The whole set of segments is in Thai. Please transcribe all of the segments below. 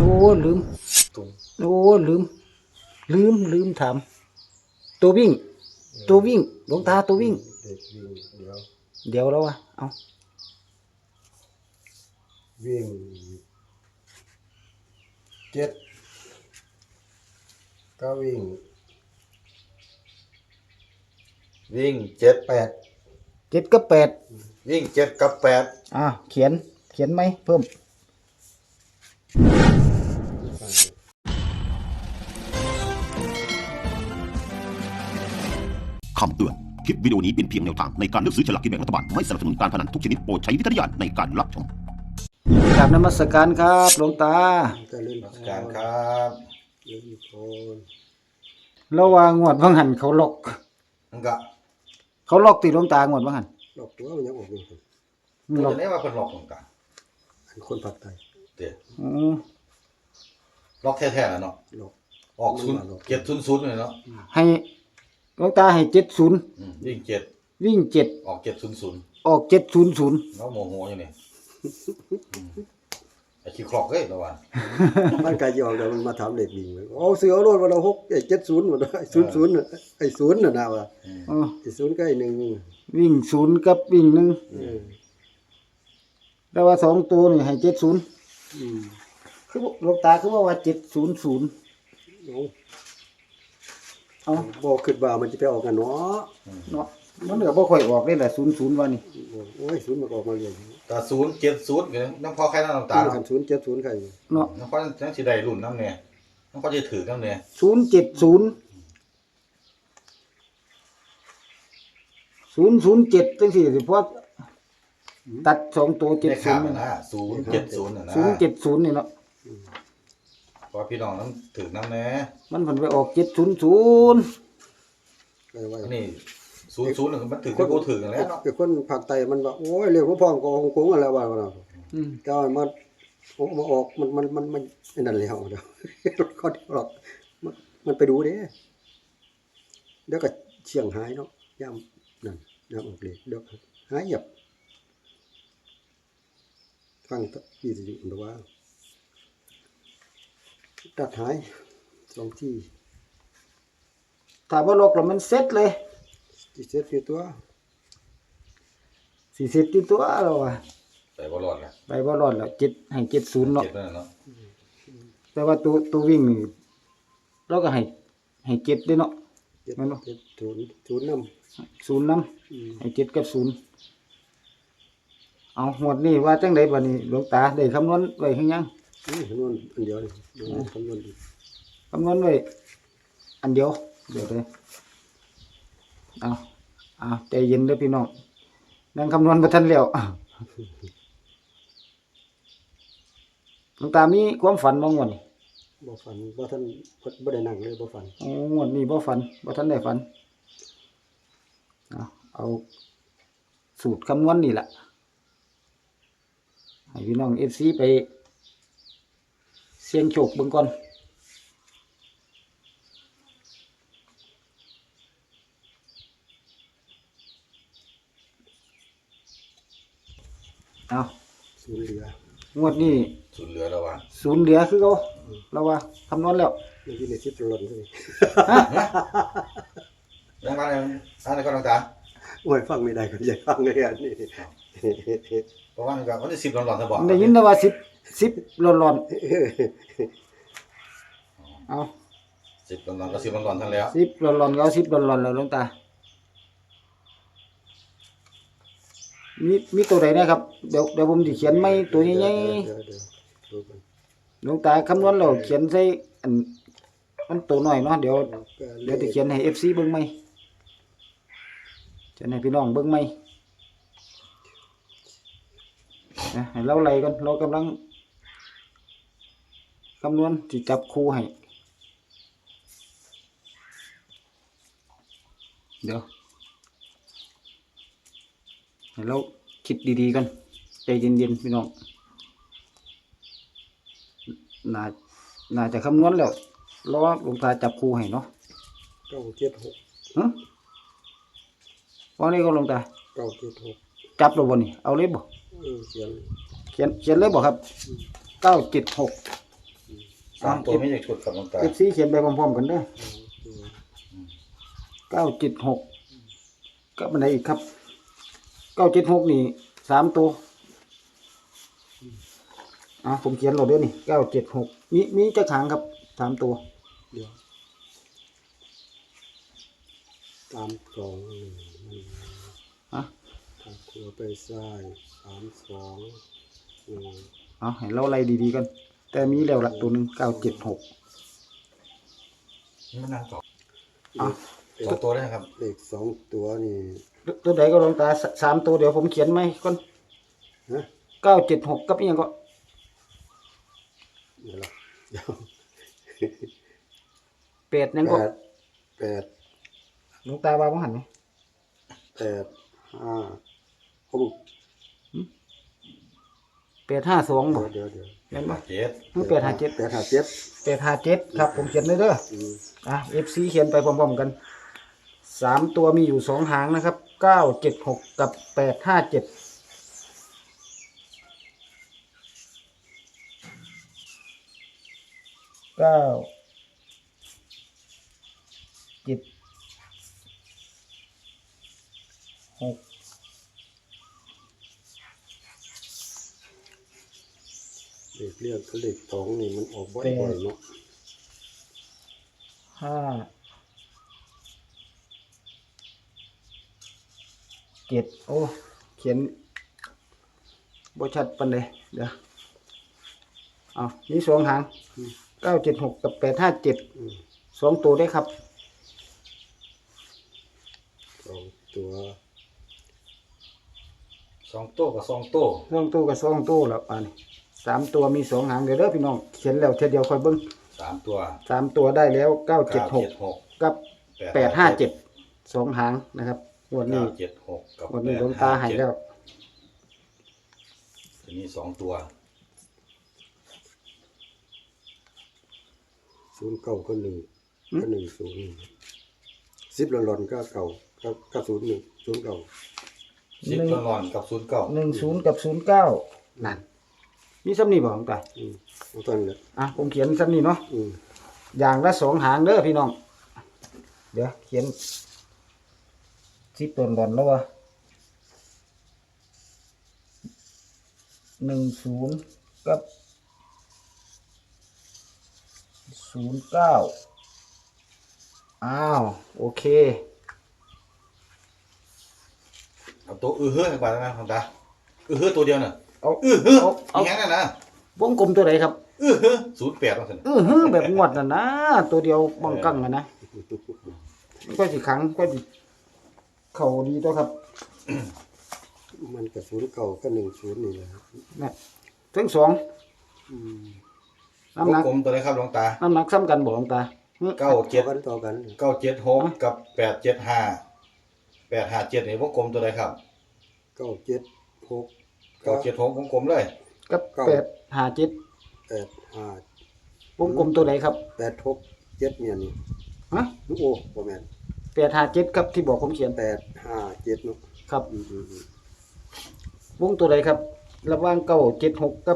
โอ้ลืมโอ้ลืมถามตัววิ่งหลวงตาตัววิ่งเด็กวิ่งเดี๋ยวแล้ววะเอาวิ่งเจ็ดก็วิ่งเจ็ด 7 กับ 8 วิ่ง7 กับ 8 เขียนไหมเพิ่มคำเตือนคลิปวิดีโอนี้เป็นเพียงแนวทางในการเลือกซื้อฉลากกินแบ่งรัฐบาลไม่สนับสนุนการพนันทุกชนิดโปรดใช้วิจารณญาณในการรับชมกราบนมัสการครับหลวงตาจะเล่นการครับเล่นโคนระว่างวดว่างหันเขาล็อกมันก็ติหลวงตางวดว่างหันหลอกตัวมันยังออกอยู่ล็อกจะได้ว่าเพิ่นล็อกของกันอันคนผักไตเด้อืมล็อกแท้ๆแล้วเนาะหลอกออก700เลยเนาะให้หลวงตาให้70 วิ่ง7 วิ่ง7 ออก700 ออก700 เนาะโมโหอยู่นี่ไอ้ขี้คลอกเอ้ยระวังมันกายยองเดี๋ยวมันมาถามเด็กวิ่งโอ้เสือโลดวันละ6ไอ้70หมดไอ้00น่ะไอ้0น่ะนะว่าอ๋อไอ้0ก็ไอ้1 วิ่ง0กับวิ่ง1แล้วว่า2ตัวนี่ให้70คือหลวงตาคือว่า700เอาบ่คิดว่ามันจะไปออกกันเนาะเนาะมันก็บ่ค่อยออกได้แหละ00ว่านี่โอ้ย0มันก็ออกมาเรื่อยแต่070ก็น้ำพอใครน้ำตาตาเนาะคัน070ใครเนาะน้ำพอจังสิได้รุ่นน้ำแน่น้ำพอจะถือน้ำแน่ 070จังซี่สิพอตัด2ตัวได้ข่าว 70 นะ070น่ะนะ 070นี่เนาะพอพี่น้องน้ำถือน้ำแน่มันเพิ่นไปออก700 ไปไว้อันนี้00น่ะมันถือก็บ่ถือกันแล้วเนาะไอ้คนภาคใต้มันว่าโอ้ยเรื่องของพ่องก็ของกงอะไรว่าเนาะอืมก็มาออกมันไอ้นั่นแล้วเดี๋ยวเขาเดี๋ยวหรอกมันไปดูเด้เดี๋ยวก็เชียงหายเนาะย่ำนั่นย่ำออกเลยเดี๋ยวหายเหยียบฟังที่สิอยู่แต่ว่าตัดหาย2ที่ถ้าบ่ลอกแล้วมันเสร็จเลยที่เสร็จคือตัวสิเสร็จที่ตัวแล้วอ่ะไปบ่รอดแล้วไปบ่รอดแล้ว7ให้70เนาะเจ็บนั่นเนาะแต่ว่าตัววิ่งนี่เราก็ให้7ด้วยเนาะเจ็ดแม่นบ่เจ็ดศูนย์นำ 0นำให้7กับ0เอาหมดนี่ว่าจังได๋บัดนี้หลวงตาได้คำนวณไว้คือยังคำนวณอันเดียวเลยคำนวณดีคำนวณไว้อันเดียวเดี๋ยวเลยเอาใจเย็นเด้อพี่น้องนั่งคำนวณบ่ทันแล้วหลวงตามีความฝันบ่งวดนี่บ่ฝันบ่ท่านบ่ได้นั่งเลยบ่ฝันโอ้งวดนี้บ่ฝันบ่ทันได้ฝันเอาสูตรคำนวณนี่ล่ะให้พี่น้อง FC ไปเสี่ยงโชคเบิ่งก่อนเอาศูนย์เหลืองวดนี้สุดเหลือแล้วว่ะศูนย์เหลือคือเขาเราว่าคำนวณแล้วมันอยู่ในชิดหล่นเลยยังมาอันนี้ก็ต้องตาโอ้ยฟังไม่ได้ก็อย่าฟังเลยอันนี้เพราะว่ามันก็วันที่10หลอนๆซะบ่ได้ยินแต่ว่าสิบร้อนเอา 10หลอนๆก็10หลอนๆทั้งแล้วสิบร้อนก็เอาสิบร้อนแล้วหลวงตามีตัวใดนะครับเดี๋ยวผมจะเขียนไม่ตัวใหญ่เดี๋ยวดูกันๆหลวงตาคำนวณแล้วเขียนใส่อันมันตัวน้อยเนาะเดี๋ยวจะเขียนให้ FC เบิ่งไหมเขียนให้พี่น้องเบิ่งไหมนะให้เราไล่กันเรากำลังคำนวณสิจับคู่ให้เดี๋ยวให้เราคิดดีๆกันใจเย็นๆพี่น้องน่าจะคำนวณแล้วรอหลวงตาจับคู่ให้เนาะ 976 ฮะวันนี้ก็หลวงตา 976 จับแล้วบ่นี่เอาเลยบ่เขียนเขียนเลยบ่ครับ976 สามตัวไม่ใช่ชุดครับหลวงตา FC เขียนไปพร้อมๆกันเด้อ976กับอันไหนอีกครับ976นี่3ตัวผมเขียนโหลดด้วยนี่976มีจักหางครับ3ตัวเดี๋ยว3 2 1มันฮะทางครัวไปซ้าย3 2 1 ให้เราไล่ดีๆกันแต่มีแล้วละตัวหนึง976 มันนั่งต่ออ่ะสองตัวได้ครับเลข2ตัวนี่ตัวใดก็ลองตา3ตัวเดี๋ยวผมเขียนไหมก่อนฮะ 976กับอีหยังก็เดี๋ยวละเดี๋ยว 8นั่นก็ 8 หลวงตาว่าบ่หันไหม 5ผม 852บ่เดี๋ยวแม่นบ่เจ็ด 857 857 ครับผมเขียนเลยเด้อ FC เขียนไปพร้อมๆกัน3ตัวมีอยู่2หางนะครับ976กับ8576 เลขเรียกกับเลข2นี่มันออกบ่อยๆเนาะ 7โอ้เขียนบ่ชัดปานใดเดี๋ยวมี2หาง976กับ857 2ตัวได้ครับ 2ตัวสองตัวกับสองตัว 2ตัวกับ2ตัวแล้วอันนี้3ตัวมี2หางเดี๋ยวพี่น้องเขียนแล้วเทีเดียวค่อยเบิ่งสามตัว 3ตัวได้แล้ว976 976 กับ857 2หางนะครับงวดนี้ 976กับงวดนี้หลวงตาให้แล้วทีนี้สองตัว 09ก็1ก็10 10หล่อนๆก็เก่าก็01 09 สิบหลอนกับ09 10กับ09นั่นมีซ้ำนี่บ่หลวงตาเอาตอนนั้นแหละผมเขียนซ้ำนี่เนาะ อย่างละ2หางเด้อพี่น้องเดี๋ยวเขียน10ตัวก่อนแล้ววะ10กับ09โอเคเอาตัวเฮ้ยไปแล้วนะหลวงตาเฮ้ยตัวเดียวน่ะเอาเฮ้ยเอาอย่างนั้นนะวงกลมตัวไหนครับเฮ้ย08ว่าซั่นแบบงวดน่ะนะตัวเดียวบังกังนะก็สิครั้งก็สิเข้าดีตัวครับมันก็09ก็10นี่แหละครับนี่ทั้งสองวงน้ำหนักกลมตัวไหนครับหลวงตาน้ำหนักซ้ำกันบ่หลวงตาต่อกัน 976กับ875 857นี่วงกลมตัวไหนครับ 976 976วงกลมเลยกับเก้า 857 85 วงกลมตัวไหนครับ 867เนี่ยนี่ฮะโอ้บ่แม่น 857ครับที่บอกผมเขียน 857เนาะครับอืมวงตัวไหนครับ ระหว่าง976กับ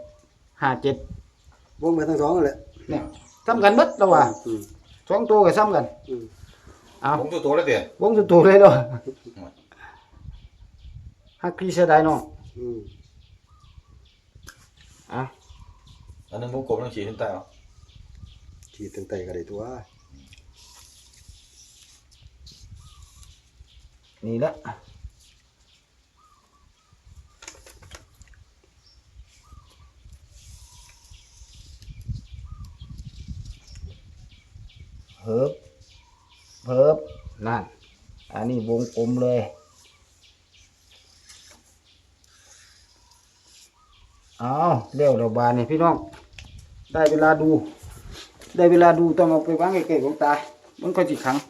857 วงไปทั้งสองนั่นแหละเนี่ยซ้ำกันเบิดแล้วว่าอืมสองตัวก็ซ้ำกันอืมเอาผมตัวแล้วเด้วงตัวเลยเนาะฮักพี่เสียดายเนาะอืมอันนึงวงกลมต้องขีดขึ้นใต้เอาขีดตั้งแต่ก็ได้ตัวนี่แหละเพิบนั่นอันนี้วงกลมเลยเอาเร็วเราบานนี่พี่น้องได้เวลาดูต้องเอาไปวางใกล้ๆของตามันก็สิขัง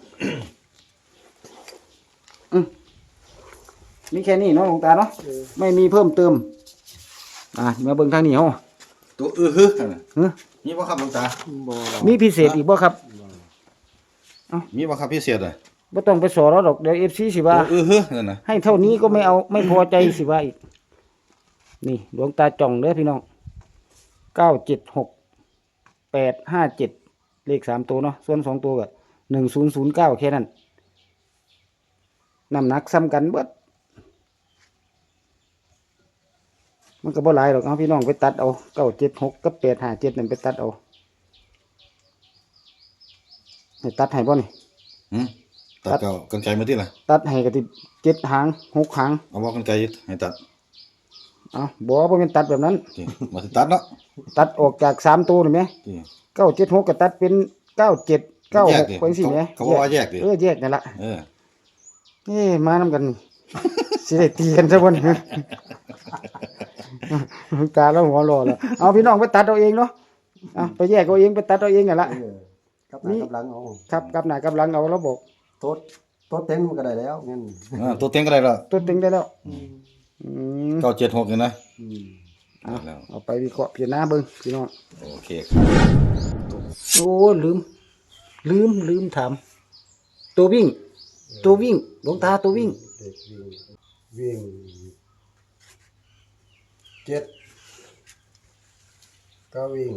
มีแค่นี้เนาะหลวงตาเนาะไม่มีเพิ่มเติมมาเบิ่งทางนี้เฮาตัวฮึนั่นน่ะฮะมีบ่ครับหลวงตาบ่มีพิเศษอีกบ่ครับมีบ่ครับพิเศษอ่ะบ่ต้องไปสอเราดอกเดี๋ยว FC สิว่าตัวฮึนั่นน่ะให้เท่านี้ก็ไม่เอาไม่พอใจสิว่าอีกนี่หลวงตาจ่องเด้อพี่น้อง976 857เลข3ตัวเนาะส่วน2ตัวก็1009แค่นั้นน้ำหนักซ้ำกันเบิดมันก็บ่หลายหรอกเอาพี่น้องไปตัดเอา976กับ857นั่นไปตัดเอาให้ตัดให้บ่นี่หืมตัดเก่ากันไกลมาที่ล่ะตัดให้ก็ที่7หาง6หางเอาว่ากันไกลให้ตัดเอาบ่แม่นตัดแบบนั้นที่มาสิตัดเนาะตัดออกจาก3ตัวนี่แหมที่ 976ก็ตัดเป็น97 แยกดิ 96ไปสิแหมเขาบอกว่าแยกดิแยกนั่นล่ะเออมานำกัน สิได้ตีกันซะบ่นี่ ตาแล้วหัวรอแล้วเอาพี่น้องไปตัดเอาเองเนาะเอาไปแยกเอาเองไปตัดเอาเองนั่นล่ะกับหน้ากับหลังเอาครับกับหน้ากับหลังเอาแล้วบอกโต๊ดโต๊ดเต็งมันก็ได้แล้วงั้นตัวเต็งก็ได้แล้วตัวเต็งได้แล้วม 976นี่นะเอาได้แล้วเอาไปวิเคราะห์พิจารณาเบิ่งพี่น้องโอเคครับโอ้ลืมถามตัววิ่งหลวงตาตัววิ่งเด็กวิ่งเจ็ดก็วิ่ง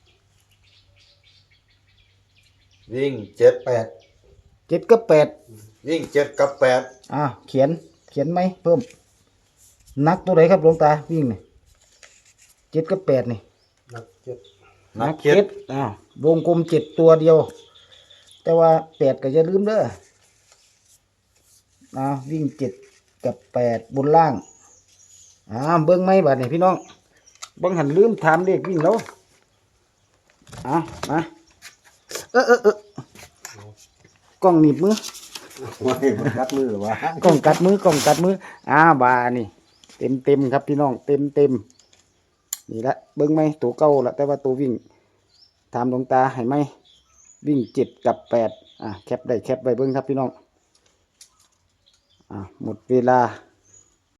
วิ่ง7 แปด 7กับ8 วิ่ง7กับ8 เขียนไหมเพิ่มนักตัวไหนครับหลวงตาวิ่งนี่7กับ8นี่นักเจ็ดนักเจ็ดวงกลม7ตัวเดียว แต่ว่า8ก็อย่าลืมเด้อวิ่ง7กับ8บนล่างเบิ่งไหมบัดนี้พี่น้องเบิ่งหันลืมถามเลขวิ่งแล้วมากล้องหนีบมือไว้มันกัดมือหรือวะกล้องกัดมือบานี่เต็มครับพี่น้องเต็มนี่ละเบิ้งไหมตัวเก่าละแต่ว่าตัววิ่งถามหลวงตาให้ไหมวิ่ง7กับ8แคปได้แคปไว้เบิ้งครับพี่น้องหมดเวลา